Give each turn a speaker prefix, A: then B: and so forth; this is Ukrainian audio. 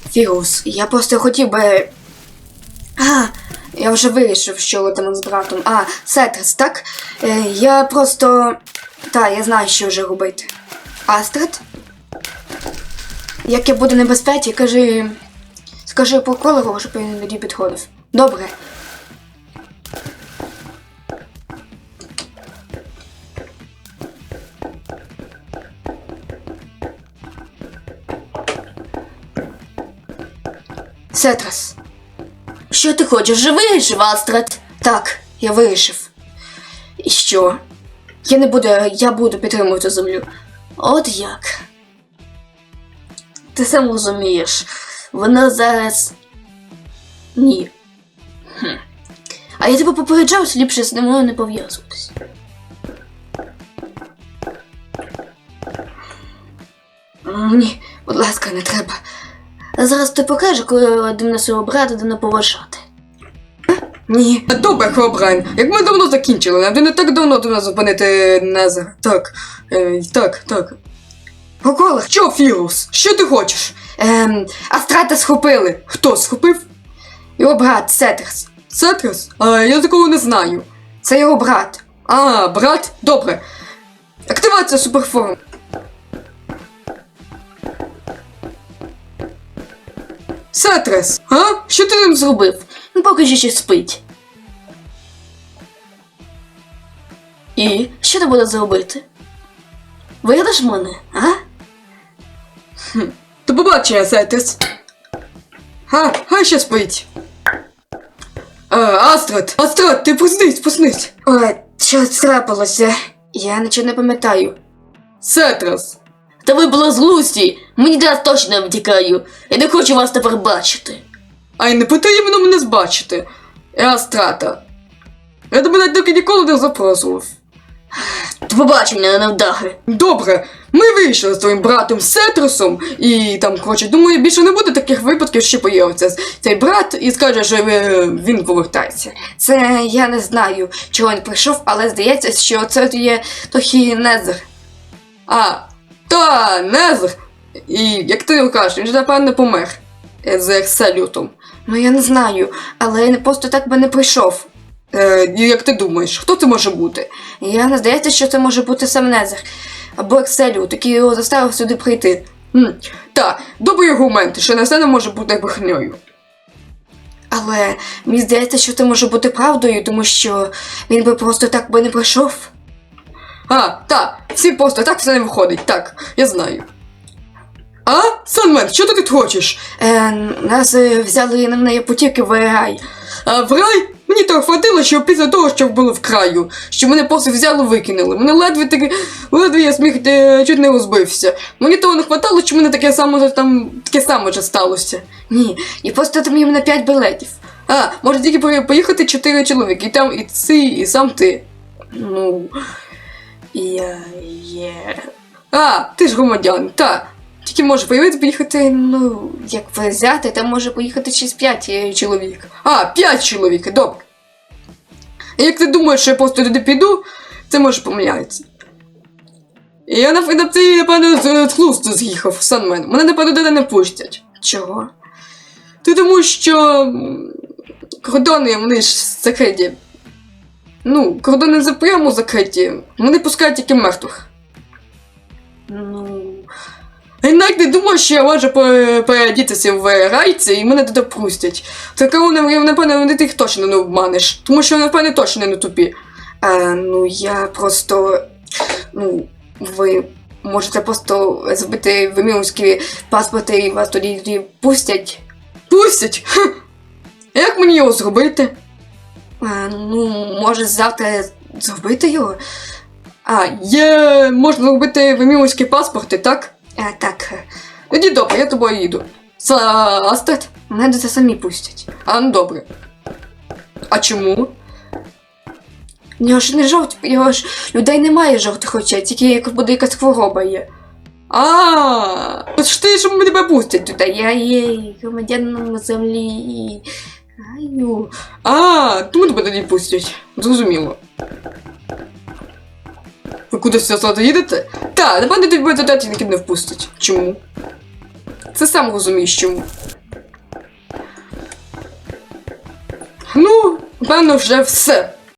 A: Фігус, я просто хотів би... Я вже вирішив, що летимо з братом. Сетрес, так? Я просто... я знаю, що вже робити. Астрид? Як я буду в небезпеці, скажи по колору, щоб він тоді підходив. Добре. Сетрес.
B: Що ти хочеш? Же вирішив, Астрид?
A: Так, я вирішив. І що? Я буду підтримувати землю.
B: От як? Ти сам розумієш, вона зараз... Ні. А я тебе попереджав, що ліпше з мною не пов'язуватись.
A: Ні, будь ласка, не треба.
B: А зараз ти покажеш, коли до нас свого брата не поважати.
A: Ні.
C: Добре, Хеобрайн, як ми давно закінчили, нам не так давно до нас зупинити Незер. Так.
A: Поколор,
C: Що, Фігус? Що ти хочеш?
A: Астрата схопили.
C: Хто схопив?
A: Його брат, Сетрес.
C: Сетрес? Я такого не знаю.
A: Це його брат.
C: Брат? Добре. Активація суперформ. Сетрес, що ти ним зробив?
B: Ну, поки ще спить. І що ти будеш зробити? Вигадаш мене, а?
C: До побачення, Сетрес. Хай ще спить. Астрид, ти проснись.
A: Ой, що трапилося? Я нічого не пам'ятаю.
C: Сетрес.
B: Та ви були злусті, мені зараз точно втікаю. Я не хочу вас тепер бачити.
C: Ай, не потрібно мене збачити. Я Астрата. Я тебе навіть доки ніколи не запрошував.
B: До побачення, невдахи.
C: Добре, ми вийшли з твоїм братом Сетресом, і там, думаю, більше не буде таких випадків, що появиться цей брат і скаже, що він повертається.
A: Це я не знаю, чого він прийшов, але здається, що це є трохи Незер.
C: Незер. І як ти кажеш, він же напевно помер з Екселютом.
A: Ну я не знаю, але він просто так би не прийшов.
C: Як ти думаєш, хто це може бути?
A: Я не здається, що це може бути сам Незер. Або Екселют, який його заставив сюди прийти.
C: Добрий аргумент, що Незер не може бути брехнею.
A: Але мені здається, що це може бути правдою, тому що він би просто так би не прийшов.
C: Всі просто так все не виходить, так, я знаю. Санмен, що ти тут хочеш?
A: Нас взяли на неї потіки в рай.
C: В рай? Мені того хватило, що після того, що було в краю, що мене просто взяло викинули. Мене ледве я сміх чуть не розбився. Мені того не хватало, що мене таке саме вже сталося.
A: Ні, і просто там їм на 5 білетів.
C: Може тільки поїхати 4 чоловіки, і там і ти, і сам ти.
A: Я є...
C: Ти ж громадян, Тільки може поїхати,
A: як взяти, там може поїхати 6-5 чоловік.
C: 5 чоловік, добре. І як ти думаєш, що я просто туди піду, це може помиляється. І я напевно, з глузду з'їхав, Санмен. Мене, напевно, туди не пустять.
A: Чого?
C: Тому що кордони, вони ж закриті. Кордони прямо закриті. Вони пускають тільки мертвих. Я навіть не думав, що я можу переодітися в райці і мене туди пустять. Напевно, ти їх точно не обманеш. Тому що, напевно, точно не тупі.
A: Я просто... ви можете просто збити вимірські паспорти і вас тоді пустять.
C: Пустять? Як мені його зробити?
A: Може завтра зробити його?
C: Можна зробити вимірські паспорти, так?
A: Так.
C: Тоді добре, я тобою їду. Астрид?
A: Мене це самі пустять.
C: Добре. А чому?
A: Його ж не жовті, його ж людей немає жовтих очей, тільки як буде якась хвороба є.
C: Ж ти ж тебе пустять туди.
A: Та я є громадянином землі.
C: Тому тебе тоді пустять. Зрозуміло. Ви кудись зараз їдете? Напевно, тебе туди тільки не впустять. Чому? Це сам розумієш чому. Ну, певно, вже все.